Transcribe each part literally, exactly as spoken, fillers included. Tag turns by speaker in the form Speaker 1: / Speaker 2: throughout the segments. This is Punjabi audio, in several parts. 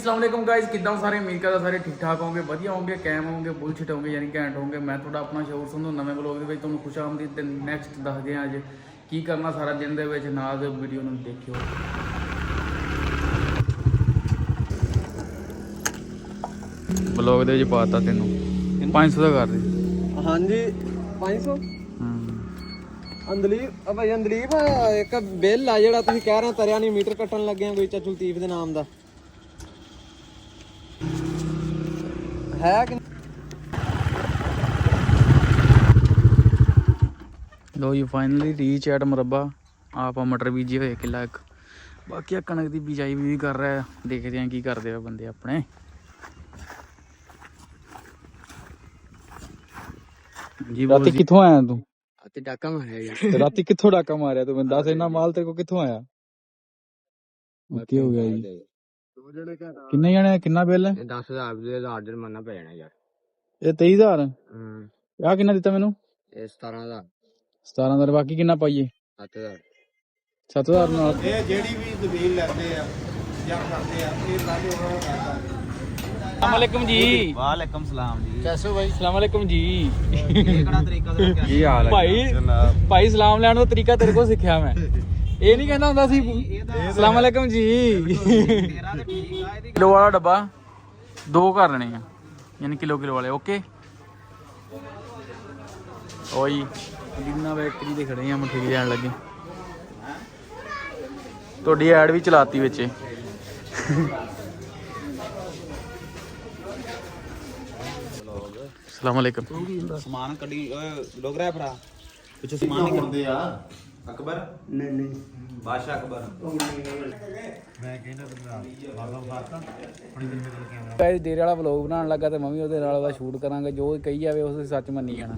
Speaker 1: अस्सलाम गाइस किदा सारे उम्मीद करदा सारे ठीक ठाक होंगे वधिया होंगे कैम होंगे बुलशिट होंगे यानी घैंट होंगे। मैं थोड़ा अपना शौर संधू नवे ब्लॉग दे विच तुहानूं खुश आमदीद ते नैक्सट दसदे हां अज की करना सारा दिन दे विच नाल दे वीडियो नूं देखियो। ब्लॉग दे विच पाता तैनूं पाँच सौ दा कर दे।
Speaker 2: हाँ जी पाँच सौ अंदलीप भाई अंदलीप एक बिल आ जिहड़ा तुसीं कह रहे तरिया नहीं मीटर कट्टन लगे हैं कोई चाचू लतीफ दे नाम दा है कि
Speaker 1: लो जी फाइनली रीच एट मुरब्बा आप मटर बीजे हुए किला एक बाकी कणक की बिजाई भी कर रहा है। देखते हैं की करते हैं बंदे अपने। जी राती कित्थों आया तू?
Speaker 2: राती डाका मारिया
Speaker 1: राती कित्थों डाका मारिया तू? दस इन्ना माल तेरे को कित्थों आया? की हो गया जी? किन्ने जने किन्ना बिल है?
Speaker 2: दस हजार जुर्माना पै जाना यार।
Speaker 1: ये तेईस हजार आ किन्ना दिता मैनू?
Speaker 2: सतारह हजार
Speaker 1: सतारह हजार बाकी किन्ना पाइए?
Speaker 2: सत्त हजार
Speaker 1: सत्त हजार नाल
Speaker 3: ਇਹ ਜਿਹੜੀ ਵੀ ਜ਼ਮੀਨ ਲੈਂਦੇ ਆ ਜਾਂ ਕਰਦੇ ਆ ਇਹ ਸਾਰੇ ਉਹਨਾਂ ਦਾ ਕਰਦਾ।
Speaker 1: अस्सलाम वालेकुम जी।
Speaker 3: ਵਾਲੇਕਮ ਸਲਾਮ ਜੀ।
Speaker 2: कैसे हो भाई?
Speaker 1: अस्सलाम वालेकुम जी।
Speaker 2: ये कड़ा तरीका तो क्या
Speaker 3: ਕੀ ਹਾਲ
Speaker 1: भाई भाई सलाम लैण दा तरीका तेरे को सिक्ख्या मैं। ਇਹ ਨਹੀਂ ਕਹਿੰਦਾ ਹੁੰਦਾ ਸੀ अस्सलाम वालेकुम जी।
Speaker 2: तेरा तो ठीक है ਇਹਦੀ
Speaker 1: किलो वाला डब्बा दो कर लेने हैं यानी किलो किलो वाले ओके। ओई जिन्ना बैकरी दे खड़े हैं मठेरी लैन लगे ਤੁਹਾਡੀ ਐਡ ਵੀ ਚਲਾਤੀ ਵਿੱਚ। अस्सलाम वालेकुम।
Speaker 3: ਸਮਾਨ ਕੱਢੀ ਲੋਗ ਰਿਹਾ ਭਰਾ ਪਿੱਛੇ ਸਮਾਨ ਨਹੀਂ ਕਰਦੇ ਆ ਅਕਬਰ
Speaker 2: नहीं नहीं
Speaker 3: ਬਾਦਸ਼ਾਹ ਅਕਬਰ
Speaker 1: ਗਾਇਸ ਡੇਰੇ ਵਾਲਾ ਵਲੌਗ ਬਣਾਉਣ ਲੱਗਾ ਤੇ ਮੈਂ ਵੀ ਉਹਦੇ ਨਾਲ ਉਹਦਾ ਸ਼ੂਟ ਕਰਾਂਗਾ। ਜੋ ਕਹੀ ਜਾਵੇ ਉਸ ਸੱਚ ਮੰਨੀ ਜਾਣਾ।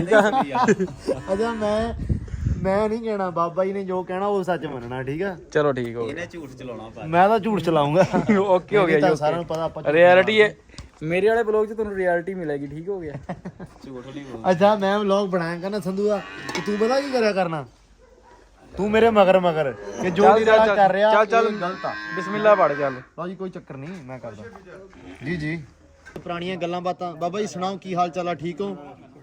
Speaker 2: अजा मैं मैं नहीं कहना बाबा जी ने जो कहना वो सच मनना ठीक है।
Speaker 1: ਚਲੋ ਠੀਕ ਹੋ
Speaker 3: ਇਹਨੇ ਝੂਠ ਚਲਾਉਣਾ ਪਾ
Speaker 2: मैं तो झूठ चलाऊंगा
Speaker 1: ਗਿਆ ਓਕੇ ਹੋ ਗਿਆ ਜੀ।
Speaker 2: सारा पता आप
Speaker 1: ਰਿਐਲਿਟੀ ਹੈ ਮੇਰੇ ਵਾਲੇ ਵਲੌਗ 'ਚ ਤੁਹਾਨੂੰ ਰਿਐਲਿਟੀ ਮਿਲੇਗੀ। ਠੀਕ ਹੋ ਗਿਆ।
Speaker 3: ਝੂਠ ਨਹੀਂ ਬੋਲ
Speaker 2: अच्छा मैं व्लॉग बनाया करना संधू दा कि तू पता की करा करना तू मेरे मगर मगर कि जो भी रहा कर रहा
Speaker 1: ਚੱਲ ਚੱਲ
Speaker 2: गलत आ।
Speaker 1: ਬਿਸਮਿਲ੍ਲਾ ਪੜ ਚੱਲ।
Speaker 2: ਲਓ ਜੀ ਕੋਈ ਚੱਕਰ ਨਹੀਂ ਮੈਂ ਕਰਦਾ ਜੀ ਜੀ। ਪੁਰਾਣੀਆਂ ਗੱਲਾਂ ਬਾਤਾਂ ਬਾਬਾ ਜੀ ਸੁਣਾਓ ਕੀ ਹਾਲ ਚਾਲ ਆ? ਠੀਕ ਹੋ?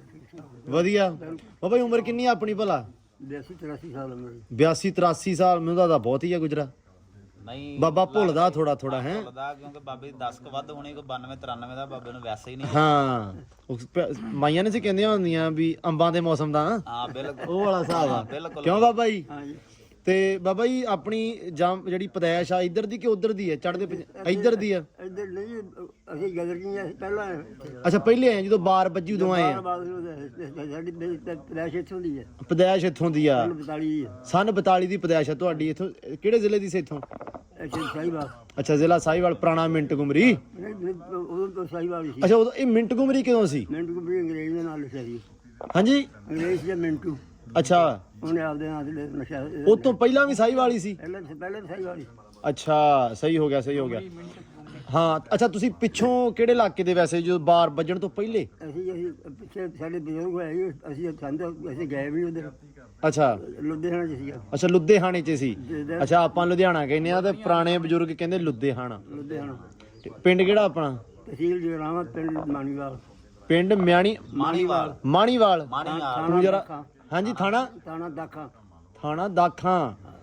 Speaker 2: ਵਧੀਆ। ਬਾਬਾ ਜੀ ਉਮਰ ਕਿੰਨੀ ਆ ਆਪਣੀ ਭਲਾ? ਬਿਆਸੀ ਤਰਾਸੀ ਸਾਲ ਉਮਰ। ਬਿਆਸੀ ਤਰਾਸੀ ਸਾਲ ਮੈਨੂੰ ਤਾਂ ਬਹੁਤ ਹੀ ਆ ਗੁਜਰਾ।
Speaker 3: ਨਹੀਂ
Speaker 2: ਬਾਬਾ ਭੁੱਲਦਾ ਥੋੜਾ ਥੋੜਾ ਹੈ
Speaker 3: ਭੁੱਲਦਾ ਕਿਉਂਕਿ ਬਾਬੇ ਦੀ ਦਸ ਕ ਵੱਧ ਹੋਣੀ ਕੋਈ ਬਾਨਵੇਂ ਤਰਾਨਵੇਂ ਦਾ ਬਾਬੇ ਨੂੰ ਵੈਸੇ ਹੀ ਨਹੀਂ।
Speaker 2: ਹਾਂ ਉਹ ਪ- ਮਾਈਆਂ ਨੇ ਸੀ ਕਹਿੰਦੀਆਂ ਹੁੰਦੀਆਂ ਵੀ ਅੰਬਾਂ ਦੇ ਮੌਸਮ ਦਾ
Speaker 3: ਹਾਂ ਬਿਲਕੁਲ
Speaker 2: ਉਹ ਵਾਲਾ ਹਿਸਾਬ ਆ।
Speaker 3: ਬਿਲਕੁਲ।
Speaker 2: ਕਿਉਂ ਬਾਬਾ ਜੀ? ਤੇ ਬਾਬਾ ਜੀ ਆਪਣੀ ਜਾਂ ਜਿਹੜੀ ਪਦੈਸ਼ ਆ ਇੱਧਰ ਦੀ ਕਿ ਉੱਧਰ ਦੀ ਹੈ? ਚੜ੍ਹਦੇ ਪੰਜ- ਇੱਧਰ ਦੀ ਆ?
Speaker 4: ਇੱਧਰ ਨਹੀਂ ਅਸੀਂ ਗਦਰ ਕੀ ਪਹਿਲਾਂ
Speaker 2: ਅੱਛਾ ਪਹਿਲੇ ਆਏ ਜਦੋਂ ਬਾਰ ਵੱਜੀ ਉਦੋਂ ਆਏ ਆ।
Speaker 4: ਸਾਡੀ ਪਲੈਸ਼ ਇੱਥੋਂ ਦੀ ਹੈ
Speaker 2: ਪਦੈਸ਼ ਇੱਥੋਂ ਦੀ ਆ।
Speaker 4: ਬਤਾਲੀ
Speaker 2: ਸਨ ਬਤਾਲੀ ਦੀ ਪਦੈਸ਼ ਆ ਤੁਹਾਡੀ। ਇੱਥੋਂ ਕਿਹੜੇ ਜ਼ਿਲ੍ਹੇ ਦੀ ਸੀ ਇੱਥੋਂ?
Speaker 4: ਅੱਛਾ ਸਾਈਵਾਲ
Speaker 2: ਅੱਛਾ ਜ਼ਿਲ੍ਹਾ ਸਾਹੀਵਾਲ ਪੁਰਾਣਾ ਮਿੰਟ ਗੁਮਰੀ।
Speaker 4: ਉਦੋਂ ਤੋਂ ਸਾਈਵਾਲ ਸੀ।
Speaker 2: ਅੱਛਾ ਉਦੋਂ ਇਹ ਮਿੰਟ ਗੁਮਰੀ ਕਦੋਂ ਸੀ?
Speaker 4: ਮਿੰਟੂ ਕੰਪਨੀ ਅੰਗਰੇਜ਼ ਦੇ ਨਾਲ ਲਿਖਿਆ ਸੀ।
Speaker 2: ਹਾਂਜੀ
Speaker 4: ਅੰਗਰੇਜ਼ ਦੇ ਮਿੰਟੂ
Speaker 2: ਅੱਛਾ
Speaker 4: ਉਹਨੇ ਆਪਦੇ ਨਾਲ ਦੇ ਨਸ਼ਾ
Speaker 2: ਉਹ ਤੋਂ ਪਹਿਲਾਂ ਵੀ ਸਾਹੀਵਾਲ ਹੀ ਸੀ?
Speaker 4: ਪਹਿਲਾਂ ਪਹਿਲਾਂ ਸਾਈਵਾਲ ਸੀ।
Speaker 2: ਅੱਛਾ ਸਹੀ ਹੋ ਗਿਆ ਸਹੀ ਹੋ ਗਿਆ। ਹਾਂ ਅੱਛਾ ਤੁਸੀਂ ਪਿੱਛੋਂ ਕਿਹੜੇ ਇਲਾਕੇ ਦੇ ਵੈਸੇ ਜਦੋਂ ਬਾਰ ਵੱਜਣ ਤੋਂ ਪਹਿਲੇ?
Speaker 4: ਅਸੀਂ ਅਸੀਂ ਪਿੱਛੇ ਸਾਡੇ ਬਜ਼ੁਰਗ ਹੋਏ ਸੀ, ਅਸੀਂ ਸੰਦ ਅਸੀਂ ਗਏ ਵੀ ਉਧਰ
Speaker 2: ਅੱਛਾ
Speaker 4: ਲੁਧਿਆਣਾ ਚ ਸੀਗਾ।
Speaker 2: ਅੱਛਾ ਲੁਧਿਆਣੇ 'ਚ ਸੀ। ਅੱਛਾ ਆਪਾਂ ਲੁਧਿਆਣਾ ਕਹਿੰਦੇ ਆ ਤੇ ਪੁਰਾਣੇ ਬਜ਼ੁਰਗ ਕਹਿੰਦੇ ਲੁਧਿਆਣਾ।
Speaker 4: ਲੁਧਿਆਣਾ
Speaker 2: ਤੇ ਪਿੰਡ ਕਿਹੜਾ ਆਪਣਾ?
Speaker 4: ਤਹਿਸੀਲ ਜਗਰਾਵਾਂ ਪਿੰਡ ਮਾਣੀਵਾਲ।
Speaker 2: ਪਿੰਡ ਮਿਆਣੀ
Speaker 3: ਮਾਣੀਵਾਲ
Speaker 2: ਮਾਣੀਵਾਲ।
Speaker 3: ਮਾਣੀਵਾਲ
Speaker 2: ਤੂੰ ਜਰਾ ਹਾਂਜੀ ਥਾਣਾ
Speaker 4: ਤਾਣਾ ਦਾਖਾ
Speaker 2: ਥਾਣਾ ਦਾਖਾਂ।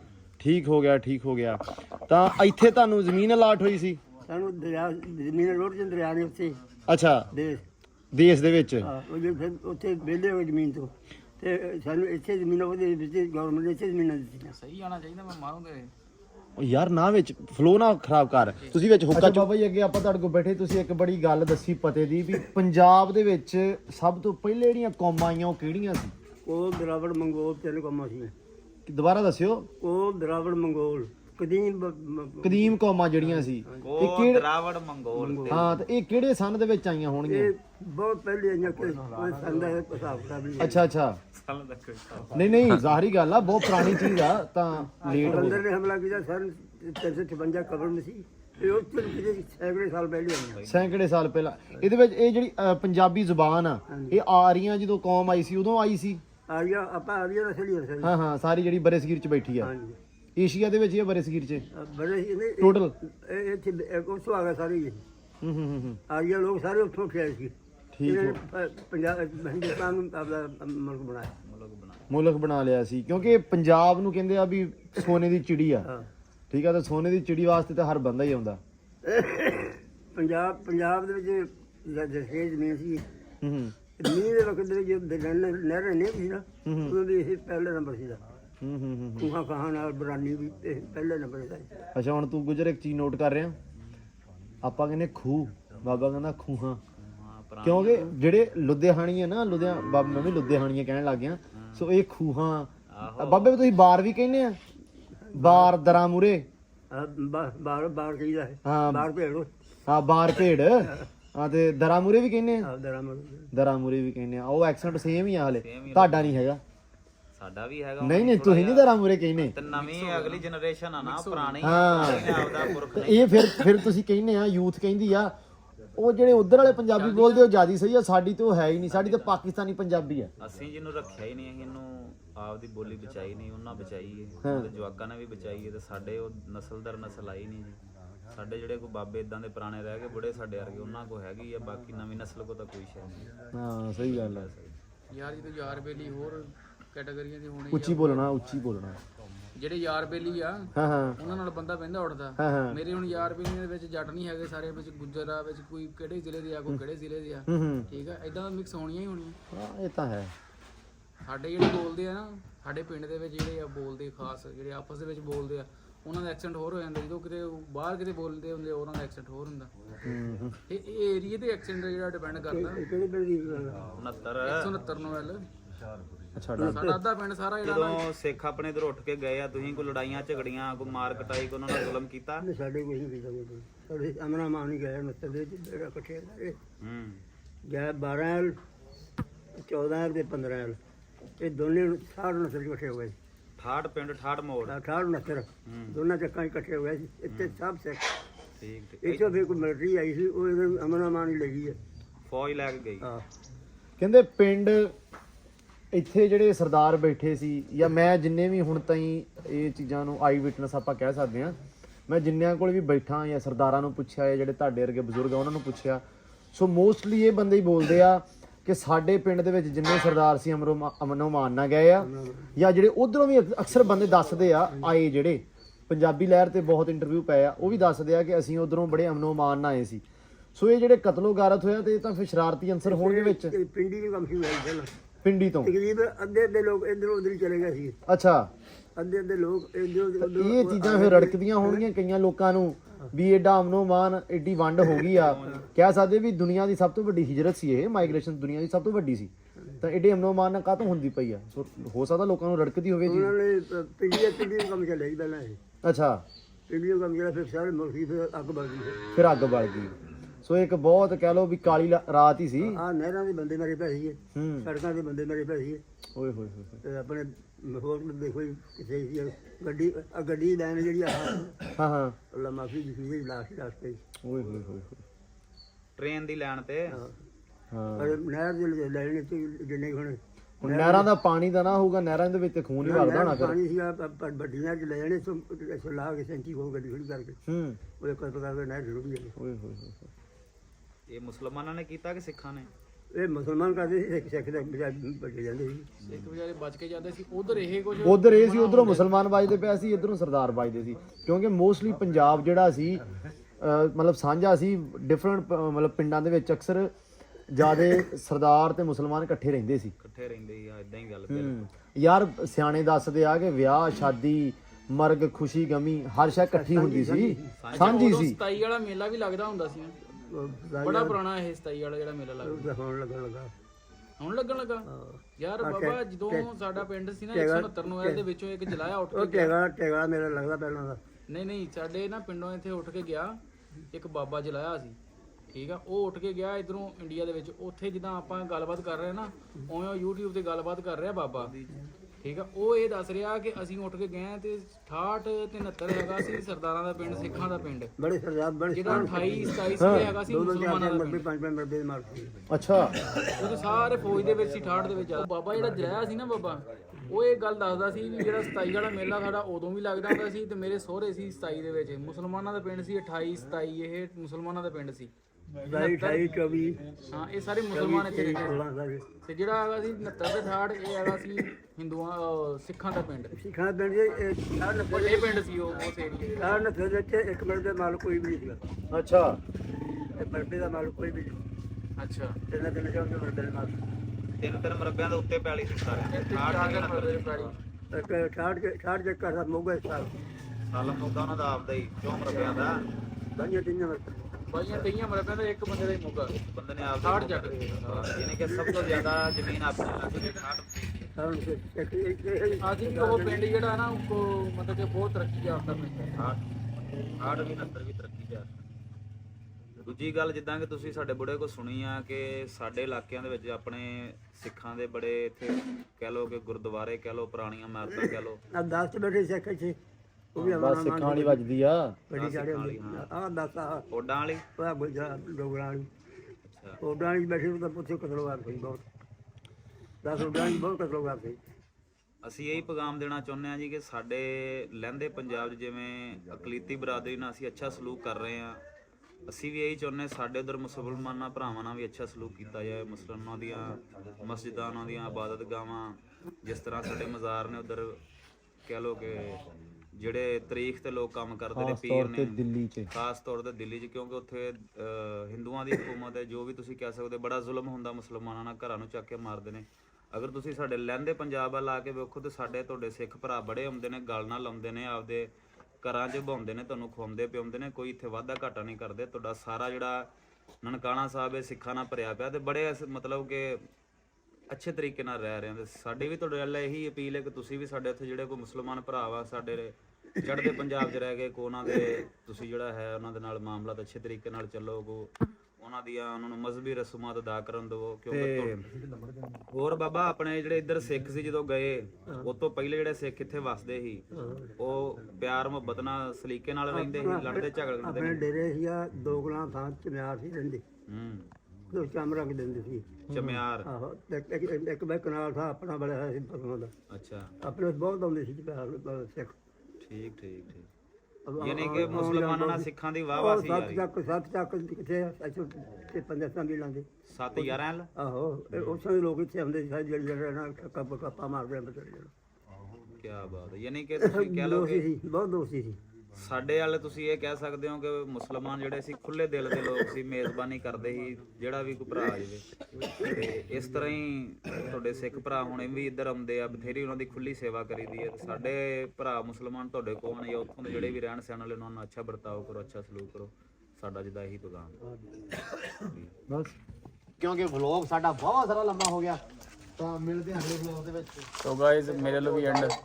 Speaker 2: ਠੀਕ ਹੋ ਗਿਆ ਠੀਕ ਹੋ ਗਿਆ। ਤਾਂ ਇੱਥੇ ਤੁਹਾਨੂੰ ਜ਼ਮੀਨ ਅਲਾਟ ਹੋਈ ਸੀ?
Speaker 4: ਸਾਨੂੰ ਦਰਿਆ ਜ਼ਮੀਨ ਰੋਡ ਚ ਦਰਿਆ ਦੇ ਉੱਤੇ
Speaker 2: ਅੱਛਾ
Speaker 4: ਦੇਸ਼
Speaker 2: ਦੇਸ਼ ਦੇ ਵਿੱਚ।
Speaker 4: ਹਾਂ, ਉਹ ਜੇ ਫਿਰ ਉੱਥੇ ਵਿਹਲੇ ਹੋਏ ਜ਼ਮੀਨ ਤੋਂ ਤੇ ਸਾਨੂੰ ਇੱਥੇ ਜ਼ਮੀਨ ਉਹਦੇ ਵਿੱਚ ਗਵਰਨਮੈਂਟ ਨੇ ਇੱਥੇ ਜ਼ਮੀਨਾਂ ਦਿੱਤੀਆਂ।
Speaker 1: ਸਹੀ ਆਣਾ ਚਾਹੀਦਾ ਮੈਂ ਮਾਰੂੰਗਾ।
Speaker 2: ਉਹ ਯਾਰ ਨਾ ਵਿੱਚ ਫਲੋ ਨਾ ਖਰਾਬ ਕਰ ਤੁਸੀਂ ਵਿੱਚ ਹੁੱਕਾ ਬਾਬਾ ਜੀ ਅੱਗੇ ਆਪਾਂ ਤੁਹਾਡੇ ਕੋਲ ਬੈਠੇ ਤੁਸੀਂ ਇੱਕ ਬੜੀ ਗੱਲ ਦੱਸੀ ਪਤੇ ਦੀ ਵੀ ਪੰਜਾਬ ਦੇ ਵਿੱਚ ਸਭ ਤੋਂ ਪਹਿਲੇ ਜਿਹੜੀਆਂ ਕੌਮਾਂ ਆਈਆਂ ਉਹ ਕਿਹੜੀਆਂ ਸੀ?
Speaker 4: ਉਹ ਦਰਾਵੜ ਮੰਗੋਲ ਤਿੰਨ ਕੌਮਾਂ ਸੀ।
Speaker 2: ਦੁਬਾਰਾ ਦੱਸਿਓ।
Speaker 4: ਉਹ ਦਰਾਵੜ ਮੰਗੋਲ ਕਦੀਮ ਬ- ਮ-
Speaker 2: ਕਦੀਮ ਕੌਮਾਂ ਜਿਹੜੀਆਂ ਸੀ ਇਹ
Speaker 3: ਉਹ
Speaker 2: ਕਿਹੜੇ?
Speaker 3: ਦਰਾਵੜ ਮੰਗੋਲ
Speaker 2: ਹਾਂ ਤੇ ਇਹ ਕਿਹੜੇ ਸੰਨ ਦੇ ਵਿੱਚ ਆਈਆਂ ਹੋਣਗੀਆਂ?
Speaker 4: ਇਹ ਬਹੁਤ ਪਹਿਲੇ ਆਈਆਂ ਕਿ ਉਹ ਸੰਦਾ ਹਿਸਾਬ ਕਿਤਾਬ ਨਹੀਂ।
Speaker 2: ਅੱਛਾ ਅੱਛਾ ਨਹੀਂ ਨਹੀਂ ਜ਼ਾਹਰੀ ਗੱਲ ਆ ਬਹੁਤ ਪੁਰਾਣੀ ਚੀਜ਼ ਆ ਤਾਂ ਲੇਟ ਹੋ
Speaker 4: ਅੰਦਰ ਨੇ ਹਮਲਾ ਕੀਤਾ ਸਨ ਤਿੰਨ ਸੌ ਛਪੰਜਾ ਕਬਰ में ਸੀ ਇਹ ਉਸ ਤੋਂ ਕਿਤੇ ਸੈਂਕੜੇ ਸਾਲ ਪਹਿਲੇ ਆਈਆਂ।
Speaker 2: ਸੈਂਕੜੇ ਸਾਲ ਪਹਿਲਾਂ। ਇਹਦੇ ਵਿੱਚ ਇਹ ਜਿਹੜੀ ਅ, ਪੰਜਾਬੀ ਜ਼ੁਬਾਨ ਆ ਇਹ ਆਰੀਆਂ ਜਦੋਂ ਕੌਮ ਆਈ ਸੀ ਉਦੋਂ ਆਈ ਸੀ?
Speaker 4: ਆਰੀਆ ਆਪਾਂ ਆਰੀਆ ਰਸਲੀ ਰਸਲੀ
Speaker 2: ਹਾਂ ਹਾਂ ਸਾਰੀ ਜਿਹੜੀ ਬਰੇ ਸਗੀਰ ਚ ਬੈਠੀ ਆ।
Speaker 4: ਹਾਂਜੀ
Speaker 2: ਏਸ਼ੀਆ ਦੇ ਵਿੱਚ ਜਾਂ ਬਰਸਗੀਰ 'ਚ
Speaker 4: ਬੜੇ ਇਹਨੇ
Speaker 2: ਟੋਟਲ?
Speaker 4: ਇਹ ਇੱਥੇ ਇੱਕ ਉੱਥੋਂ ਆ ਗਏ ਸਾਰੇ ਹੀ
Speaker 2: ਹੂੰ ਹੂੰ ਹੂੰ ਹੂੰ
Speaker 4: ਆਰੀਆ ਲੋਕ ਸਾਰੇ ਉੱਥੋਂ ਉੱਠੇ ਆਏ ਸੀ।
Speaker 2: ਠੀਕ
Speaker 4: ਇਹਨਾਂ
Speaker 2: ਹੈ।
Speaker 4: ਨੇ ਪ- ਪੰਜਾਬ ਹਿੰਦੁਸਤਾਨ ਨੂੰ ਆਪਦਾ ਮੁਲਕ ਬਣਾਇਆ।
Speaker 2: ਮੁਲਕ ਬਣਾ ਲਿਆ ਸੀ ਕਿਉਂਕਿ ਪੰਜਾਬ ਨੂੰ ਕਹਿੰਦੇ ਆ ਵੀ ਸੋਨੇ ਦੀ ਚਿੜੀ ਆ।
Speaker 4: ਹਾਂ
Speaker 2: ਠੀਕ ਆ, ਤਾਂ ਸੋਨੇ ਦੀ ਚਿੜੀ ਵਾਸਤੇ ਤਾਂ ਹਰ ਬੰਦਾ ਹੀ ਆਉਂਦਾ।
Speaker 4: ਪੰਜਾਬ ਪੰਜਾਬ ਦੇ ਵਿੱਚ ਜਸੇ ਜ਼ਮੀਨ ਸੀ,
Speaker 2: ਹੂੰ ਹੂੰ
Speaker 4: ਜ਼ਮੀਨ ਦੇ ਵਕਤ ਦੇ ਵਿੱਚ ਜਦੋਂ ਨਹਿਰ ਨਹੀਂ ਸੀ ਨਾ, ਉਦੋਂ ਵੀ ਇਹ ਪਹਿਲੇ ਨੰਬਰ ਸੀ ਦਾ।
Speaker 2: ਹੂੰ ਹੂੰ ਹੂੰ
Speaker 4: ਖੂਹਾਂ ਖਾਹਾਂ ਨਾਲ ਬਰਾਨੀ ਵੀ ਇਹ ਪਹਿਲੇ ਨੰਬਰ ਦਾ ਸੀ।
Speaker 2: ਅੱਛਾ, ਹੁਣ ਤੂੰ ਗੁਜਰ ਇੱਕ ਚੀਜ਼ ਨੋਟ ਕਰ ਰਿਹਾ, ਆਪਾਂ ਕਹਿੰਦੇ ਖੂਹ, ਬਾਬਾ ਕਹਿੰਦਾ ਖੂਹਾਂ। ਕਿਉਂਕਿ ਜਿਹੜੇ ਲੁਧਿਆਣੀ ਆ ਨਾ, ਲੁਧਿਆ ਬਾਬਾ ਮੈਂ ਵੀ ਲੁਧਿਆਣੀਆਂ ਕਹਿਣ ਲੱਗ ਗਿਆ। ਸੋ ਇਹ ਖੂਹਾਂ ਬਾਬੇ ਤੁਸੀਂ ਬਾਰ ਵੀ ਕਹਿੰਦੇ ਆ, ਬਾਰ ਦਰਾਂ ਮੂਰੇ।
Speaker 4: ਆ ਬਾਹਰ ਬਾਹਰ ਕਹੀਦਾ ਹੈ,
Speaker 2: ਹਾਂ
Speaker 4: ਬਾਹਰ ਭੇੜੋ
Speaker 2: ਹਾਂ ਬਾਰ ਭੇੜ ਹਾਂ, ਤੇ ਦਰਾਂ ਮੂਰੇ ਵੀ ਕਹਿੰਦੇ ਆ,
Speaker 4: ਆ ਦਰਾਂ
Speaker 2: ਦਰਾਂ ਮੂਰੇ ਵੀ ਕਹਿੰਦੇ ਆ। ਉਹ ਐਕਸੈਂਟ ਸੇਮ ਹੀ ਆ ਹਲੇ, ਤੁਹਾਡਾ ਨਹੀਂ ਹੈਗਾ।
Speaker 3: ਸਾਡਾ ਵੀ ਹੈਗਾ।
Speaker 2: ਨਹੀਂ ਨਹੀਂ ਤੁਸੀਂ ਨਹੀਂ ਦਰਾਂ ਮੂਰੇ ਕਹਿੰਦੇ।
Speaker 3: ਤੇ ਨਵੀਂ ਅਗਲੀ ਜਨਰੇਸ਼ਨ ਆ ਨਾ, ਪੁਰਾਣੀ
Speaker 2: ਹਾਂ
Speaker 3: ਆਪਦਾ ਪੁਰਖ
Speaker 2: ਤੇ ਇਹ ਫਿਰ ਫਿਰ ਤੁਸੀਂ ਕਹਿੰਦੇ ਆ, ਯੂਥ ਕਹਿੰਦੀ ਆ ਉਹ ਜਿਹੜੇ ਉਧਰ ਵਾਲੇ ਪੰਜਾਬੀ ਬੋਲਦੇ ਉਹ ਜਿਆਦਾ ਸਹੀ ਆ, ਸਾਡੀ ਤਾਂ ਉਹ ਹੈ ਹੀ ਨਹੀਂ, ਸਾਡੀ ਤਾਂ ਪਾਕਿਸਤਾਨੀ ਪੰਜਾਬੀ ਆ।
Speaker 3: ਅਸੀਂ ਜਿਹਨੂੰ ਰੱਖਿਆ ਹੀ ਨਹੀਂ, ਅਸੀਂ ਇਹਨੂੰ ਆਪਦੀ ਬੋਲੀ ਬਚਾਈ ਨਹੀਂ, ਉਹਨਾਂ ਬਚਾਈ ਹੈ, ਉਹਦੇ ਜਵਾਕਾਂ ਨੇ ਵੀ ਬਚਾਈ ਹੈ, ਤੇ ਸਾਡੇ ਉਹ ਨਸਲ ਦਰ ਨਸਲ ਆਈ ਨਹੀਂ ਜੀ। ਸਾਡੇ ਜਿਹੜੇ ਕੋਈ ਬਾਬੇ ਇਦਾਂ ਦੇ ਪੁਰਾਣੇ ਰਹਿ ਗਏ ਬੁੜੇ ਸਾਡੇ ਵਰਗੇ, ਉਹਨਾਂ ਕੋ ਹੈਗੀ ਆ, ਬਾਕੀ ਨਵੀਂ ਨਸਲ ਕੋ ਤਾਂ ਕੋਈ ਸ਼ੈ ਨਹੀਂ।
Speaker 2: ਹਾਂ ਸਹੀ ਗੱਲ ਹੈ
Speaker 1: ਯਾਰ ਜਦੋਂ ਯਾਰ ਬੇਲੀ ਹੋਰ ਕੈਟਾਗਰੀਆਂ ਦੀ ਹੋਣੀ
Speaker 2: ਉੱਚੀ ਬੋਲਣਾ, ਉੱਚੀ ਬੋਲਣਾ।
Speaker 1: ਜਿਹੜੇ ਯਾਰ ਬੇਲੀ ਆ
Speaker 2: ਹਾਂ ਹਾਂ
Speaker 1: ਉਹਨਾਂ ਨਾਲ ਬੰਦਾ ਬਹਿੰਦਾ ਉੱਠਦਾ।
Speaker 2: ਹਾਂ ਹਾਂ
Speaker 1: ਮੇਰੇ ਹੁਣ ਯਾਰ ਬੇਲੀਆਂ ਦੇ ਵਿੱਚ ਜੱਟ ਨਹੀਂ ਹੈਗੇ ਸਾਰੇ, ਵਿੱਚ ਗੁੱਜਰ ਆ, ਵਿੱਚ ਕੋਈ ਕਿਹੜੇ ਜ਼ਿਲ੍ਹੇ ਦੇ ਆ, ਕੋਈ ਕਿਹੜੇ ਜ਼ਿਲ੍ਹੇ ਦੇ ਆ।
Speaker 2: ਹੂੰ ਹੂੰ
Speaker 1: ਠੀਕ ਆ, ਇਦਾਂ ਦਾ ਮਿਕਸ ਹੋਣੀਆਂ ਹੀ ਹੋਣੀਆਂ।
Speaker 2: ਹਾਂ ਇਹ ਤਾਂ ਹੈ।
Speaker 1: ਸਾਡੇ ਜਿਹੜੇ ਬੋਲਦੇ ਆ ਨਾ, ਸਾਡੇ ਪਿੰਡ ਦੇ ਵਿੱਚ ਜਿਹੜੇ ਆ ਬੋਲਦੇ ਖਾਸ, ਜਿਹੜੇ ਆਪਸ ਦੇ ਵਿੱਚ ਬੋਲਦੇ ਆ, ਉਹਨਾਂ ਦਾ ਐਕਸੈਂਟ ਹੋਰ ਹੋ ਜਾਂਦਾ। ਜਦੋਂ ਕਿਤੇ ਬਾਹਰ ਕਿਤੇ ਬੋਲਦੇ ਹੁੰਦੇ ਉਹਨਾਂ ਦਾ ਐਕਸੈਂਟ ਹੋਰ ਹੁੰਦਾ।
Speaker 2: ਹੂੰ ਹੂੰ
Speaker 1: ਇਹ ਇਹ ਏਰੀਆ ਦੇ ਐਕਸੈਂਟ ਜਿਹੜਾ ਡਿਪੈਂਡ ਕਰਦਾ।
Speaker 4: ਕਿਹੜੇ ਪਿੰਡ ਦੀ ਗੱਲ ਆ?
Speaker 3: ਉਨੱਤਰ
Speaker 1: ਇੱਕ ਸੌ ਉਨੱਤਰ ਨੂੰ ਐਲ
Speaker 2: ਅੱਛਾ
Speaker 1: ਸਾਡਾ ਅੱਧਾ ਪਿੰਡ ਸਾਰਾ ਜਿਹੜਾ ਨਾ,
Speaker 3: ਜਦੋਂ ਸਿੱਖ ਆਪਣੇ ਇਧਰ ਉੱਠ ਕੇ ਗਏ ਆ, ਤੁਸੀਂ ਕੋਈ ਲੜਾਈਆਂ ਝਗੜੀਆਂ, ਕੋਈ ਮਾਰ ਕਟਾਈ, ਕੋਈ ਉਹਨਾਂ ਨਾਲ ਜ਼ੁਲਮ ਕੀਤਾ?
Speaker 4: ਨਹੀਂ, ਸਾਡੇ ਕੋਈ ਨਹੀਂ ਕੀਤਾ ਕੋਈ। ਸਾਡੇ ਅਮਰਾ ਮਾਨ ਹੀ ਗਏ ਮਤਲਬ ਦੇ ਜਿਹੜਾ ਇਕੱਠੇ ਸਾਰੇ
Speaker 3: ਹੂੰ
Speaker 4: ਗਏ ਬਾਰਾਂ ਐਲ, ਚੌਦਾਂ ਐਲ ਤੇ ਪੰਦਰਾਂ ਐਲ, ਇਹ ਦੋਨੇ ਸਾਠ ਉਨੱਤਰ ਇਕੱਠੇ ਹੋ ਗਏ।
Speaker 3: ਠਾਠ ਪਿੰਡ ਠਾਠ ਮੋੜ।
Speaker 4: ਅਠਾਹਠ ਉਨੱਤਰ ਦੋਨਾਂ ਚੱਕਾਂ ਇਕੱਠੇ ਹੋ ਗਏ ਸੀ ਇੱਥੇ ਸਭ ਸਿੱਖ।
Speaker 3: ਠੀਕ ਠੀਕ।
Speaker 4: ਇੱਥੋਂ ਫਿਰ ਕੋਈ ਮਿਲਟਰੀ ਆਈ ਸੀ, ਉਹ ਇਹਨਾਂ ਨੂੰ ਅਮਰਾ ਮਾਨ ਹੀ ਲੱਗੀ ਹੈ।
Speaker 3: ਫੌਜ ਲੈ ਕੇ ਗਈ।
Speaker 4: ਹਾਂ
Speaker 2: ਕਹਿੰਦੇ ਪਿੰਡ ਇੱਥੇ ਜਿਹੜੇ ਸਰਦਾਰ ਬੈਠੇ ਸੀ, ਜਾਂ ਮੈਂ ਜਿੰਨੇ ਵੀ ਹੁਣ ਤਾਈਂ ਇਹ ਚੀਜ਼ਾਂ ਨੂੰ ਆਈ ਵਿਟਨੈਸ ਆਪਾਂ ਕਹਿ ਸਕਦੇ ਹਾਂ, ਮੈਂ ਜਿੰਨਿਆਂ ਕੋਲ ਵੀ ਬੈਠਾ ਜਾਂ ਸਰਦਾਰਾਂ ਨੂੰ ਪੁੱਛਿਆ, ਜਾਂ ਜਿਹੜੇ ਤੁਹਾਡੇ ਵਰਗੇ ਬਜ਼ੁਰਗ ਆ ਉਹਨਾਂ ਨੂੰ ਪੁੱਛਿਆ, ਸੋ ਮੋਸਟਲੀ ਇਹ ਬੰਦੇ ਹੀ ਬੋਲਦੇ ਆ ਕਿ ਸਾਡੇ ਪਿੰਡ ਦੇ ਵਿੱਚ ਜਿੰਨੇ ਸਰਦਾਰ ਸੀ ਅਮਰੋ ਅਮਨੋ ਮਾਨ ਨਾ ਗਏ ਆ, ਜਾਂ ਜਿਹੜੇ ਉਧਰੋਂ ਵੀ ਅਕਸਰ ਬੰਦੇ ਦੱਸਦੇ ਆ ਆਏ, ਜਿਹੜੇ ਪੰਜਾਬੀ ਲਹਿਰ ਤੇ ਬਹੁਤ ਇੰਟਰਵਿਊ ਪਏ ਆ, ਉਹ ਵੀ ਦੱਸਦੇ ਆ ਕਿ ਅਸੀਂ ਉਧਰੋਂ ਬੜੇ ਅਮਨੋ ਮਾਨ ਨਾਲ ਆਏ ਸੀ। ਸੋ ਇਹ ਜਿਹੜੇ ਕਤਲੋ ਗਾਰਤ ਹੋਇਆ ਤੇ ਇਹ ਤਾਂ ਫਿਰ ਸ਼ਰਾਰਤੀ ਅੰਸਰ ਹੋਣਗੇ ਵਿੱਚ।
Speaker 4: ਇਹ ਪਿੰਡੀ ਵੀ ਕੰਮ ਸੀ ਹੋਇਆ ਪਹਿਲਾਂ।
Speaker 2: ਪਿੰਡੀ ਤੋਂ
Speaker 4: ਤਕਰੀਬਨ ਅੱਧੇ ਅੱਧੇ ਲੋਕ ਇੱਧਰੋਂ ਉੱਧਰ ਹੀ ਚਲੇ ਗਏ ਸੀ।
Speaker 2: ਅੱਛਾ,
Speaker 4: ਅੱਧੇ ਅੱਧੇ ਲੋਕ ਇੱਧਰੋਂ ਉੱਧਰ।
Speaker 2: ਇਹ ਚੀਜ਼ਾਂ ਫਿਰ ਰੜਕਦੀਆਂ ਹੋਣਗੀਆਂ ਕਈਆਂ ਲੋਕਾਂ ਨੂੰ ਵੀ ਐਡਾ ਅਮਨੋ ਮਾਨ, ਐਡੀ ਵੰਡ ਹੋ ਗਈ ਆ। ਕਹਿ ਸਕਦੇ ਵੀ ਦੁਨੀਆ ਦੀ ਸਭ ਤੋਂ ਵੱਡੀ ਹਿਜਰਤ ਸੀ ਇਹ, ਮਾਈਗ੍ਰੇਸ਼ਨ ਦੁਨੀਆ ਦੀ ਸਭ ਤੋਂ ਵੱਡੀ ਸੀ, ਤਾਂ ਐਡੇ ਅਮਨੋ ਮਾਨ ਨਾਲ ਕਾਹਤੋਂ ਹੁੰਦੀ ਪਈ ਆ। ਸੋ ਹੋ ਸਕਦਾ ਲੋਕਾਂ ਨੂੰ ਰੜਕਦੀ ਹੋਵੇ ਜੀ।
Speaker 4: ਉਹਨਾਂ ਨੇ ਪਿੰਡੀ ਪਿੰਡੀ ਦਾ ਕੰਮ ਚੱਲਿਆ ਸੀ ਪਹਿਲਾਂ ਇਹ।
Speaker 2: ਅੱਛਾ,
Speaker 4: ਪਿੰਡੀ ਦਾ ਕੰਮ ਜਿਹੜਾ ਫਿਰ ਸਾਰੇ ਮੁਲਕੀ ਫਿਰ ਅੱਗ ਬਲ ਗਈ।
Speaker 2: ਫਿਰ ਅੱਗ ਬਲ ਗਈ। ਸੋ ਇੱਕ ਬਹੁਤ ਕਹਿ ਲਓ ਵੀ ਕਾਲੀ ਲਾ- ਰਾਤ ਹੀ ਸੀ।
Speaker 4: ਆਹ ਨਹਿਰਾਂ ਦੇ ਬੰਦੇ ਮੇਰੇ ਪੈ ਸੀਗੇ,
Speaker 2: ਹੂੰ
Speaker 4: ਸੜਕਾਂ ਦੇ ਬੰਦੇ ਮੇਰੇ ਪੈ ਸੀਗੇ।
Speaker 2: ਓਏ ਹੋਏ ਹੋਏ ਹੋਏ।
Speaker 4: ਤੇ ਆਪਣੇ ਹੋਰ ਦੇਖੋ ਜੀ ਕਿਸੇ ਦੀ ਗੱਡੀ ਆ ਗੱਡੀ ਲੈਣ ਜਿਹੜੀ ਆ
Speaker 2: ਹਾਂ ਹਾਂ,
Speaker 4: ਅੱਲਾ ਮਾਫੀ ਜੀ ਜਿਹੜੀ ਲਾਸ਼ ਲਾਸ਼ ਪਈ।
Speaker 2: ਓਏ ਹੋਏ ਹੋਏ ਹੋਏ।
Speaker 3: ਟ੍ਰੇਨ ਦੀ ਲਾਈਨ ਤੇ।
Speaker 4: ਹਾਂ
Speaker 2: ਹਾਂ,
Speaker 4: ਪਰ ਨਹਿਰ ਦੇ ਲੈਣੇ ਤੇ ਜਿੰਨੇ ਹੁਣ
Speaker 2: ਹੁਣ ਨਹਿਰਾਂ ਦਾ ਪਾਣੀ ਦਾ ਨਾ ਹੋਊਗਾ, ਨਹਿਰਾਂ ਦੇ ਵਿੱਚ ਤੇ ਖੂਨ ਹੀ ਵਗਦਾ ਹੋਣਾ ਫਿਰ।
Speaker 4: ਪਾਣੀ ਸੀਗਾ ਵੱਡੀਆਂ ਚ ਲੈ ਜਾਣੇ ਤੋਂ ਲਾ ਕੇ ਸੈਂਟੀ ਹੋ ਗੱਡੀ ਖੜੀ ਕਰਕੇ
Speaker 2: ਹੂੰ,
Speaker 4: ਉਹਦੇ ਕੋਲ ਪਤਾ ਨਹਿਰ ਜ਼ਰੂਰੀ ਹੈ।
Speaker 2: ਓਏ ਹੋਏ ਹੋਏ ਹੋਏ।
Speaker 3: ਇਹ ਮੁਸਲਮਾਨਾਂ ਨੇ ਕੀਤਾ ਕਿ ਸਿੱਖਾਂ ਨੇ?
Speaker 4: ਇਹ ਮੁਸਲਮਾਨ ਕਰਦੇ ਸੀ, ਸਿੱਖ ਸਿੱਖ ਦੇ ਬਚੇ ਜਾਂਦੇ ਸੀ।
Speaker 1: ਸਿੱਖ ਵਿਚਾਰੇ ਬਚ ਕੇ ਜਾਂਦੇ ਸੀ। ਉਧਰ ਇਹ ਕੁਝ
Speaker 2: ਉਧਰ ਇਹ ਸੀ, ਉਧਰੋਂ ਮੁਸਲਮਾਨ ਵੱਜਦੇ ਪਿਆ ਸੀ, ਇਧਰੋਂ ਸਰਦਾਰ ਵੱਜਦੇ ਸੀ। ਕਿਉਂਕਿ ਮੋਸਟਲੀ ਪੰਜਾਬ ਜਿਹੜਾ ਸੀ ਅਹ ਮਤਲਬ ਸਾਂਝਾ ਸੀ, ਡਿਫਰੈਂਟ ਮਤਲਬ ਪਿੰਡਾਂ ਦੇ ਵਿੱਚ ਅਕਸਰ ਜਿਆਦੇ ਸਰਦਾਰ ਤੇ ਮੁਸਲਮਾਨ ਇਕੱਠੇ ਰਹਿੰਦੇ ਸੀ।
Speaker 3: ਇਕੱਠੇ ਰਹਿੰਦੇ ਆ, ਇਦਾਂ ਹੀ ਗੱਲ।
Speaker 2: ਹੂੰ, ਯਾਰ ਸਿਆਣੇ ਦੱਸਦੇ ਆ ਕਿ ਵਿਆਹ ਸ਼ਾਦੀ ਮਰਗ ਖੁਸ਼ੀ ਗਮੀ ਹਰ ਸ਼ੈ ਇਕੱਠੀ ਹੁੰਦੀ ਸੀ, ਸਾਂਝੀ ਸੀ।
Speaker 1: ਸਤਾਈ ਵਾਲਾ ਮੇਲਾ ਵੀ ਲੱਗਦਾ ਹੁੰਦਾ ਸੀ। ਬੜਾ ਪੁਰਾਣਾ ਇਹ ਸਤਾਈ ਵਾਲਾ ਜਿਹੜਾ ਮੇਲਾ ਲੱਗਦਾ।
Speaker 4: ਹੋਣ ਲੱਗਣ ਲੱਗਾ
Speaker 1: ਹੁਣ ਲੱਗਣ ਲੱਗਾ ਯਾਰ ਬਾਬਾ। ਜਦੋਂ ਸਾਡਾ ਪਿੰਡ ਸੀ ਨਾ ਇੱਕ ਸੌ ਉਨੱਤਰ ਨੂੰ ਐਲ ਦੇ ਵਿੱਚੋਂ ਇੱਕ ਜਲਾਇਆ ਉੱਠ
Speaker 4: ਉਹ
Speaker 1: ਕੇ ਗਿਆ।
Speaker 4: ਟੇਗਾ ਟੇਗਾ ਮੇਰਾ ਲੱਗਦਾ ਪਹਿਲਾਂ ਦਾ।
Speaker 1: ਨਹੀਂ ਨਹੀਂ, ਸਾਡੇ ਨਾ ਪਿੰਡੋਂ ਇੱਥੇ ਉੱਠ ਕੇ ਗਿਆ ਇੱਕ ਬਾਬਾ ਜਲਾਇਆ ਸੀ। ਠੀਕ ਆ, ਉਹ ਉੱਠ ਕੇ ਗਿਆ ਇਧਰੋਂ ਇੰਡੀਆ ਦੇ ਵਿੱਚ। ਉੱਥੇ ਜਿੱਦਾਂ ਆਪਾਂ ਗੱਲਬਾਤ ਕਰ ਰਹੇ ਨਾ, ਉਵੇਂ ਉਹ YouTube ਤੇ ਗੱਲਬਾਤ ਕਰ ਰਿਹਾ ਬਾਬਾ। ਠੀਕ ਆ, ਉਹ ਇਹ ਦੱਸ ਰਿਹਾ ਕਿ ਅਸੀਂ ਉੱਠ ਕੇ ਗਏ ਤੇ ਅਠਾਹਠ ਤੇ ਉਨੱਤਰ ਹੈਗਾ ਸੀ ਸਰਦਾਰਾਂ ਦਾ ਪਿੰਡ, ਸਿੱਖਾਂ ਦਾ ਪਿੰਡ।
Speaker 4: ਬੜੇ ਸਰਦਾਰ ਬੜੇ
Speaker 1: ਜਿਹੜਾ ਅਠਾਈ ਸਤਾਈ ਸੀ ਹੈਗਾ ਸੀ ਮੁਸਲਮਾਨਾਂ ਦਾ ਪਿੰਡ।
Speaker 4: ਪੰਜ ਪੰਜ ਮਰਦੇ ਮਾਰਦੇ।
Speaker 2: ਅੱਛਾ,
Speaker 1: ਉਹ ਸਾਰੇ ਫੌਜ ਦੇ ਵਿੱਚ ਸੀ, ਅਠਾਹਠ ਦੇ ਵਿੱਚ। ਉਹ ਬਾਬਾ ਜਿਹੜਾ ਜਲਾਇਆ ਸੀ ਨਾ ਬਾਬਾ, ਉਹ ਇਹ ਗੱਲ ਦੱਸਦਾ ਸੀ ਵੀ ਜਿਹੜਾ ਸਤਾਈ ਵਾਲਾ ਮੇਲਾ ਸਾਡਾ ਉਦੋਂ ਵੀ ਲੱਗਦਾ ਹੁੰਦਾ ਸੀ ਤੇ ਮੇਰੇ ਸਹੁਰੇ ਸੀ ਸਤਾਈ ਦੇ ਵਿੱਚ, ਮੁਸਲਮਾਨਾਂ ਦਾ ਪਿੰਡ ਸੀ ਅਠਾਈ ਸਤਾਈ, ਇਹ ਮੁਸਲਮਾਨਾਂ ਦਾ ਪਿੰਡ ਸੀ।
Speaker 4: ਬਾਈ ਅਠਾਈ ਚੌਵੀ
Speaker 1: ਹਾਂ ਇਹ ਸਾਰੇ ਮੁਸਲਮਾਨ ਇੱਥੇ ਰਹਿੰਦੇ
Speaker 4: ਸੋਲਾਂ ਸਾਲ
Speaker 1: ਤੇ ਜਿਹੜਾ ਹੈਗਾ ਸੀ ਉਣੱਤਰ ਤੇ ਅਠਾਹਠ ਇਹ ਹੈਗਾ ਸੀ ਹਿੰਦੂਆਂ ਅਹ ਸਿੱਖਾਂ ਦਾ ਪਿੰਡ,
Speaker 4: ਸਿੱਖਾਂ ਦੇ ਪਿੰਡ ਦੇ ਇਹ ਸਾਢੇ ਨੱਬੇ
Speaker 1: ਵੱਡੇ ਪਿੰਡ ਸੀ ਉਹ ਉਸ ਏਰੀਏ।
Speaker 4: ਸਾਢੇ ਨੱਬੇ ਦੇ ਵਿੱਚ ਇੱਕ ਮਿੰਟ ਦੇ ਮਾਲ ਕੋਈ ਵੀ ਨਹੀਂ ਸੀਗਾ।
Speaker 2: ਅੱਛਾ
Speaker 4: ਇਹ ਮਰਬੇ ਦਾ ਮਾਲ ਕੋਈ ਵੀ ਨਹੀਂ।
Speaker 1: ਅੱਛਾ
Speaker 4: ਤਿੰਨ ਤਿੰਨ ਚਾਰ ਮਰਬੇ ਦੇ ਮਾਲ
Speaker 3: ਤਿੰਨ ਤਿੰਨ ਮਰਬਿਆਂ ਦੇ ਉੱਤੇ ਪੈਲੀ ਸੀ ਸਾਰੇ
Speaker 1: ਇਹ ਚਾਰ ਚਾਰ ਮਰਦੇ ਪੈੜੀ।
Speaker 4: ਇੱਕ ਅਠਾਹਠ ਕੇ ਅਠਾਹਠ ਦੇ ਘਰ ਦਾ ਮੋਗਾ ਸਾਲ
Speaker 3: ਸਾਲਮ ਮੁੱਦਾ ਉਹਨਾਂ ਦਾ ਆਪਦਾ ਹੀ ਚੌਂ ਮਰਬਿਆਂ ਦਾ
Speaker 4: ਬਾਈਆਂ ਤਿੰਨ ਮਰਬੇ
Speaker 1: ਬਾਈਆਂ ਤੇਈਆਂ ਮਰਬਿਆਂ ਦਾ ਇੱਕ ਬੰਦੇ ਦਾ ਹੀ ਮੋਗਾ
Speaker 3: ਬੰਦੇ ਨੇ ਆਪਦਾ
Speaker 1: ਅਠਾਹਠ ਜੱਟ।
Speaker 3: ਯਾਨੀ ਕਿ ਸਭ ਤੋਂ ਜ਼ਿਆਦਾ ਜ਼ਮੀਨ ਆਪਣੇ ਇਲਾਕੇ ਦੀ ਅਠਾਹਠ
Speaker 4: ਸਾਲ ਇੱਕ ਇੱਕ ਇੱਕ
Speaker 1: ਅੱਜ ਵੀ ਉਹ ਪਿੰਡ ਜਿਹੜਾ ਨਾ ਉਹ ਮਤਲਬ ਕਿ ਬਹੁਤ ਤਰੱਕੀ ਯਾਫਤਾ ਪਿੰਡ ਹੈ।
Speaker 3: ਅਠਾਹਠ ਵੀ ਉਣੱਤਰ ਵੀ ਤਰੱਕੀ ਜਾ। ਦੂਜੀ ਗੱਲ ਜਿੱਦਾਂ ਕਿ ਤੁਸੀਂ ਸਾਡੇ ਬੁੜੇ ਕੋ ਸੁਣੀ ਆ ਕਿ ਸਾਡੇ ਇਲਾਕਿਆਂ ਦੇ ਵਿੱਚ ਆਪਣੇ ਸਿੱਖਾਂ ਦੇ ਬੜੇ ਇੱਥੇ ਕਹਿ ਲਓ ਕਿ ਗੁਰਦੁਆਰੇ ਕਹਿ ਲਓ, ਪੁਰਾਣੀਆਂ ਇਮਾਰਤਾਂ ਕਹਿ ਲਓ,
Speaker 4: ਆ ਦਸ ਤੇ ਬੈਠੇ ਸਿੱਖ ਇੱਥੇ ਉਹ ਵੀ
Speaker 2: ਬਸ ਸਿੱਖਾਂ ਵਾਲੀ ਵੱਜਦੀ ਆ।
Speaker 4: ਬੜੀ ਚਾੜੇ ਹੁੰਦੇ ਆ ਦਸ ਆ
Speaker 3: ਓਡਾਂ ਵਾਲੀ।
Speaker 4: ਉਹ ਗੁਜਰਾ ਡੋਗਰਾਂ ਵਾਲੀ
Speaker 3: ਅੱਛਾ
Speaker 4: ਓਡਾਂ ਵਾਲੀ ਬੈਠੇ ਤਾਂ ਪੁੱਛੋ ਕਤਲੋਗਾਰ ਸੀ ਬਹੁਤ ਦਸ ਓਡਾਂ ਵਾਲੀ ਬਹੁਤ ਕਤਲੋਗਾਰ ਸੀ।
Speaker 3: ਅਸੀਂ ਇਹੀ ਪੈਗਾਮ ਦੇਣਾ ਚਾਹੁੰਦੇ ਹਾਂ ਜੀ ਕਿ ਸਾਡੇ ਲਹਿੰਦੇ ਪੰਜਾਬ 'ਚ ਜਿਵੇਂ ਅਕਲੀਤੀ ਬਰਾਦਰੀ ਨਾਲ ਅਸੀਂ ਅੱਛਾ ਸਲੂਕ ਕਰ ਰਹੇ ਹਾਂ, ਅਸੀਂ ਵੀ ਇਹੀ ਚਾਹੁੰਦੇ ਸਾਡੇ ਉਧਰ ਮੁਸਲਮਾਨਾਂ ਭਰਾਵਾਂ ਨਾਲ ਵੀ ਅੱਛਾ ਸਲੂਕ ਕੀਤਾ ਜਾਏ। ਮੁਸਲਮਾਨਾਂ ਦੀਆਂ ਮਸਜਿਦਾਂ, ਉਹਨਾਂ ਦੀਆਂ ਇਬਾਦਤ ਗਾਹਾਂ, ਜਿਸ ਤਰ੍ਹਾਂ ਸਾਡੇ ਮਜ਼ਾਰ ਨੇ ਉਧਰ ਕਹਿ ਲਓ ਕਿ ਜਿਹੜੇ ਤਰੀਖ ਤੇ ਲੋਕ ਕੰਮ ਕਰਦੇ ਨੇ ਪੀਰ ਨੇ,
Speaker 2: ਦਿੱਲੀ 'ਚ
Speaker 3: ਖਾਸ ਤੌਰ ਤੇ ਦਿੱਲੀ 'ਚ, ਕਿਉਂਕਿ ਉੱਥੇ ਅਹ, ਹਿੰਦੂਆਂ ਦੀ ਹਕੂਮਤ ਹੈ, ਜੋ ਵੀ ਤੁਸੀਂ ਕਹਿ ਸਕਦੇ, ਬੜਾ ਜ਼ੁਲਮ ਹੁੰਦਾ ਮੁਸਲਮਾਨਾਂ ਨਾਲ, ਘਰਾਂ ਨੂੰ ਚੱਕ ਕੇ ਮਾਰਦੇ ਨੇ। ਅਗਰ ਤੁਸੀਂ ਸਾਡੇ ਲਹਿੰਦੇ ਪੰਜਾਬ ਵੱਲ ਆ ਕੇ ਵੇਖੋ ਤੇ ਸਾਡੇ ਤੁਹਾਡੇ ਸਿੱਖ ਭਰਾ ਬੜੇ ਆਉਂਦੇ ਨੇ, ਗੱਲ ਨਾਲ ਲਾਉਂਦੇ ਨੇ, ਆਪਦੇ ਘਰਾਂ 'ਚ ਬਹਾਉਂਦੇ ਨੇ, ਤੁਹਾਨੂੰ ਖਵਾਉਂਦੇ ਪਿਆਉਂਦੇ ਨੇ, ਕੋਈ ਇੱਥੇ ਵਾਧਾ ਘਾਟਾ ਨਹੀਂ ਕਰਦੇ। ਤੁਹਾਡਾ ਸਾਰਾ ਜਿਹੜਾ ਨਨਕਾਣਾ ਸਾਹਿਬ ਹੈ ਸਿੱਖਾਂ ਨਾਲ ਭਰਿਆ ਪਿਆ ਤੇ ਬੜੇ ਅਸ- ਮਤਲਬ ਕਿ ਅੱਛੇ ਤਰੀਕੇ ਨਾਲ ਰਹਿ ਰਹੇ ਹਾਂ। ਤੇ ਸਾਡੀ ਵੀ ਤੁਹਾਡੇ ਵੱਲ ਇਹੀ ਅਪੀਲ ਹੈ ਕਿ ਤੁਸੀਂ ਵੀ ਸਾਡੇ ਇੱਥੇ ਜਿਹੜੇ ਕੋਈ ਮੁਸਲਮਾਨ ਭਰਾ ਵਾ ਸਾਡੇ ਚੜ੍ਹਦੇ ਪੰਜਾਬ 'ਚ ਰਹਿ ਗਏ, ਕੋ ਉਹਨਾਂ ਦੇ ਤੁਸੀਂ ਜਿਹੜਾ ਹੈ ਉਹਨਾਂ ਦੇ ਨਾਲ ਮਾਮਲਾ ਅੱਛੇ ਤਰੀਕੇ ਨਾਲ ਚੱਲੋ, ਕੋ ਉਹਨਾਂ ਦੀਆਂ ਉਹਨਾਂ ਨੂੰ ਮਜ਼ਹਬੀ ਰਸੂਮਾਤ ਅਦਾ ਕਰਨ ਦਿਓ। ਕਿਉਂਕਿ ਹੋਰ ਬਾਬਾ ਆਪਣੇ ਜਿਹੜੇ ਇੱਧਰ ਸਿੱਖ ਸੀ ਜਦੋਂ ਗਏ, ਉਸ ਤੋਂ ਪਹਿਲੇ ਜਿਹੜੇ ਸਿੱਖ ਇੱਥੇ ਵਸਦੇ ਸੀ ਉਹ ਪਿਆਰ ਮੁਹੱਬਤ ਨਾਲ ਸਲੀਕੇ ਨਾਲ ਰਹਿੰਦੇ ਸੀ, ਲੜਦੇ ਝਗੜਦੇ
Speaker 4: ਆਪਣੇ
Speaker 3: ਨਹੀਂ।
Speaker 4: ਡੇਰੇ ਸੀ ਆ ਦੋ ਗੁਲਾਂ ਥਾਂ ਚਮਿਆਰ ਸੀ ਰਹਿੰਦੇ,
Speaker 3: ਹੂੰ
Speaker 4: ਦੋ ਚਮ ਰੱਖ ਦਿੰਦੇ ਸੀ।
Speaker 3: ਚਮਿਆਰ।
Speaker 4: ਆਹੋ ਇੱਕ ਇੱਕ- ਇੱਕ ਬੈ ਕਨਾਲ ਥਾ ਆਪਣਾ ਬੜਾ ਹੋਇਆ ਸੀ ਪਸਮਾ ਦਾ,
Speaker 3: ਅੱਛਾ
Speaker 4: ਆਪਣੇ ਬਹੁਤ ਆਉਂਦੇ ਸੀ ਪਿਆਰ ਸਿੱਖ।
Speaker 3: ਠੀਕ ਠੀਕ ਠੀਕ। ਯਾਨੀ ਕਿ ਮੁਸਲਮਾਨਾਂ ਨਾਲ ਸਿੱਖਾਂ ਦੀ ਵਾਹ ਵਾਹ ਸੀ
Speaker 4: ਸੱਤ
Speaker 3: ਯਾਰੀ।
Speaker 4: ਚੱਕ ਸੱਤ ਚੱਕ ਕਿੱਥੇ ਅੱਛਾ ਤੇ ਪੰਜਾਂ ਵੀ ਲਾਂਦੇ।
Speaker 3: ਸੱਤ ਗਿਆਰਾਂ ਲ
Speaker 4: ਆਹੋ ਇਹ ਉਸ ਸਮੇਂ ਲੋਕ ਇੱਥੇ ਆਉਂਦੇ ਸੀ ਸਾਰੇ ਜਿਹੜੇ ਜਿਹੜੇ ਨਾ ਕੱਪਾ ਕੱਪਾ ਮਾਰਦੇ ਆ ਬਚਾਰੇ ਜਿਹੜੇ।
Speaker 3: ਕੀ ਬਾਤ ਹੈ। ਯਾਨੀ ਕਿ ਤੁਸੀਂ ਕਹਿ ਲਓ
Speaker 4: ਦੋਸਤੀ
Speaker 3: ਕਿ
Speaker 4: ਸੀ, ਬਹੁਤ ਦੋਸਤੀ ਸੀ।
Speaker 3: ਸਾਡੇ ਵਾਲੇ ਤੁਸੀਂ ਇਹ ਕਹਿ ਸਕਦੇ ਹੋ ਕਿ ਮੁਸਲਮਾਨ ਜਿਹੜੇ ਸੀ ਖੁੱਲੇ ਦਿਲ ਦੇ ਲੋਕ ਸੀ, ਮੇਜ਼ਬਾਨੀ ਕਰਦੇ ਸੀ ਜਿਹੜਾ ਵੀ ਕੋਈ ਭਰਾ ਆ ਜਾਵੇ। ਤੇ ਇਸ ਤਰ੍ਹਾਂ ਹੀ ਤੁਹਾਡੇ ਸਿੱਖ ਭਰਾ ਹੁਣੇ ਵੀ ਇੱਧਰ ਆਉਂਦੇ ਆ, ਬਥੇਰੀ ਉਹਨਾਂ ਦੀ ਖੁੱਲੀ ਸੇਵਾ ਕਰੀਦੀ ਹੈ। ਤੇ ਸਾਡੇ ਭਰਾ ਮੁਸਲਮਾਨ ਤੁਹਾਡੇ ਕੋਲ ਆਉਣ ਜਾਂ ਉੱਥੋਂ ਦੇ ਜਿਹੜੇ ਵੀ ਰਹਿਣ ਸਹਿਣ ਵਾਲੇ ਉਹਨਾਂ ਨਾਲ ਅੱਛਾ ਵਰਤਾਓ ਕਰੋ, ਅੱਛਾ ਸਲੂਕ ਕਰੋ। ਸਾਡਾ ਜਿੱਦਾਂ ਇਹੀ ਪੈਗਾਮ।
Speaker 2: ਬਸ ਕਿਉਂਕਿ ਵਲੌਗ ਸਾਡਾ ਬਹੁਤ ਸਾਰਾ ਲੰਮਾ ਹੋ ਗਿਆ, ਤਾਂ ਮਿਲਦੇ ਹਾਂ ਅਗਲੇ ਵਲੌਗ ਦੇ ਵਿੱਚ।
Speaker 1: ਸੋ ਗਾਇਜ਼ ਮੇਰੇ ਲਈ ਵੀ ਐਂਡ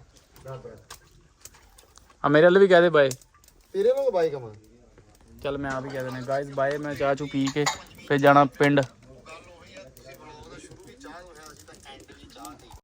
Speaker 1: ਆ, ਮੇਰੇ ਲਈ ਵੀ ਕਹਿ ਦੇ ਬਾਏ।
Speaker 2: ਤੇਰੇ ਵਾਂਗ ਬਾਈ ਕਮਾ
Speaker 1: ਚੱਲ ਮੈਂ ਆਪ ਹੀ ਕਹਿ ਦਿੰਦਾ ਗਾਇਜ਼ ਬਾਏ। ਮੈਂ ਚਾਹ ਚੂ ਪੀ ਕੇ ਫਿਰ ਜਾਣਾ ਪਿੰਡ।